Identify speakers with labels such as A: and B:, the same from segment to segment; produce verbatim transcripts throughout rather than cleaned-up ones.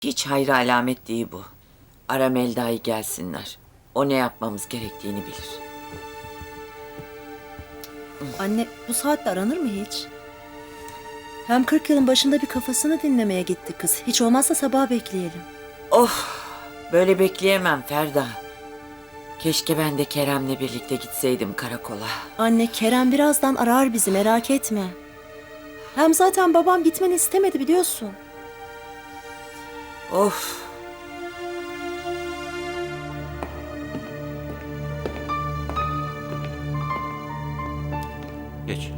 A: Hiç hayra alamet değil bu. Ara Melda'yı gelsinler. O ne yapmamız gerektiğini bilir.
B: Anne, bu saatte aranır mı hiç? Hem kırk yılın başında bir kafasını dinlemeye gitti kız. Hiç olmazsa sabah bekleyelim.
A: Of, böyle bekleyemem Ferda. Keşke ben de Kerem'le birlikte gitseydim karakola.
B: Anne, Kerem birazdan arar bizi, merak etme. Hem zaten babam gitmeni istemedi biliyorsun.
A: Of.
C: Geç.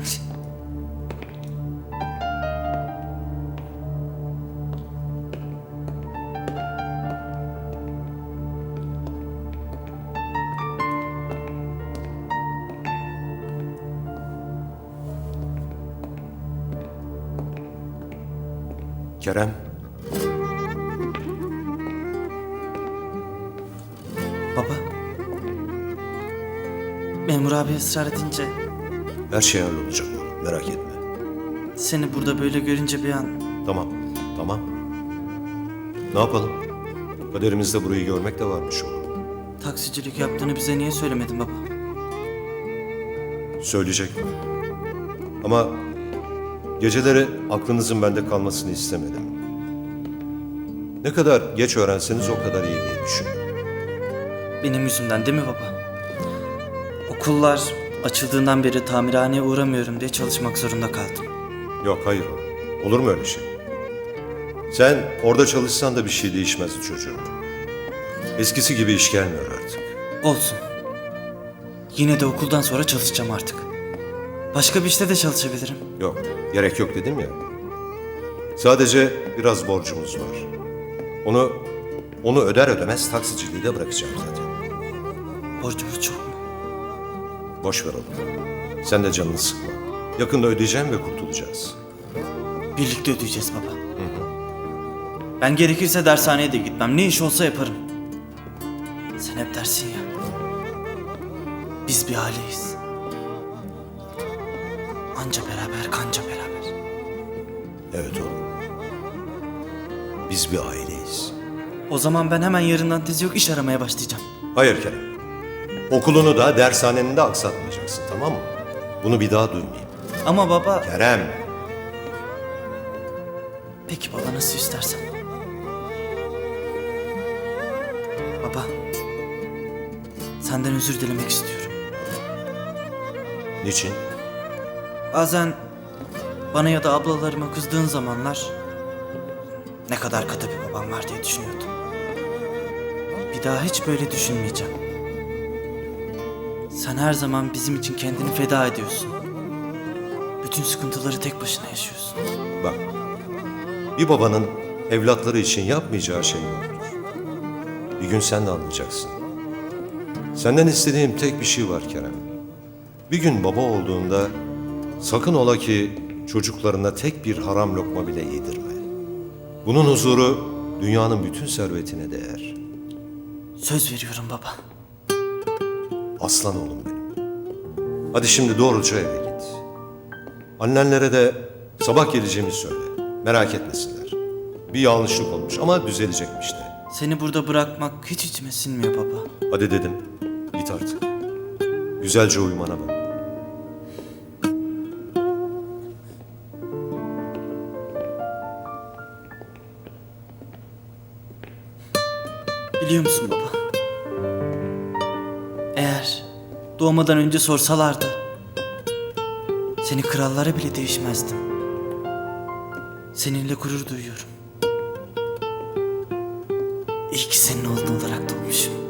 D: Kerem,
C: Baba. Memur abi ısrar edince
D: her şey hallolacak oğlum, merak etme.
C: seni burada böyle görünce bir an
D: Tamam, tamam. Ne yapalım? Kaderimizde burayı görmek de varmış oğlum.
C: taksicilik yaptığını bize niye söylemedin baba?
D: Söyleyecek. Ama geceleri aklınızın bende kalmasını istemedim. Ne kadar geç öğrenseniz o kadar iyi diye düşündüm.
C: Benim yüzümden değil mi baba? Okullar açıldığından beri tamirhaneye uğramıyorum diye çalışmak zorunda kaldım.
D: Yok, hayır oğlum. Olur mu öyle şey? Sen orada çalışsan da bir şey değişmezdi çocuğum. Eskisi gibi iş gelmiyor artık.
C: Olsun. Yine de okuldan sonra çalışacağım artık. Başka bir işte de çalışabilirim.
D: Yok, gerek yok dedim ya. Sadece biraz borcumuz var. Onu onu öder ödemez taksiciliği de bırakacağım zaten.
C: Borcumuz çok mu?
D: Boş ver oğlum. Sen de canını sıkma. Yakında ödeyeceğim ve kurtulacağız.
C: Birlikte ödeyeceğiz baba. Ben gerekirse dershaneye de gitmem. Ne iş olsa yaparım. Sen hep dersin ya. Biz bir aileyiz. Anca beraber, kanca beraber.
D: Evet oğlum. Biz bir aileyiz.
C: O zaman ben hemen yarından tezi yok iş aramaya başlayacağım.
D: Hayır Kerem. Okulunu da dershaneni de aksatmayacaksın, tamam mı? Bunu bir daha duymayayım.
C: Ama baba...
D: Kerem.
C: Peki baba, nasıl istersen. Baba. Senden özür dilemek istiyorum.
D: Niçin?
C: Bazen bana ya da ablalarıma kızdığın zamanlar ne kadar katı bir babam var diye düşünüyordum. Bir daha hiç böyle düşünmeyeceğim. Sen her zaman bizim için kendini feda ediyorsun. Bütün sıkıntıları tek başına yaşıyorsun.
D: Bak. Bir babanın evlatları için yapmayacağı şey yoktur. Bir gün sen de anlayacaksın. Senden istediğim tek bir şey var Kerem. Bir gün baba olduğunda sakın ola ki çocuklarına tek bir haram lokma bile yedirme. Bunun huzuru dünyanın bütün servetine değer.
C: Söz veriyorum baba.
D: Aslan oğlum benim. Hadi şimdi doğruca eve git. Annenlere de sabah geleceğimi söyle. Merak etmesinler. Bir yanlışlık olmuş ama düzelecekmiş de.
C: Seni burada bırakmak hiç içime sinmiyor baba.
D: Hadi dedim. Git artık. Güzelce uyumana bak.
C: Biliyor musun baba? Eğer doğmadan önce sorsalardı seni krallara bile değişmezdim. Seninle gurur duyuyorum. İyi ki senin oğlun olarak doğmuşum.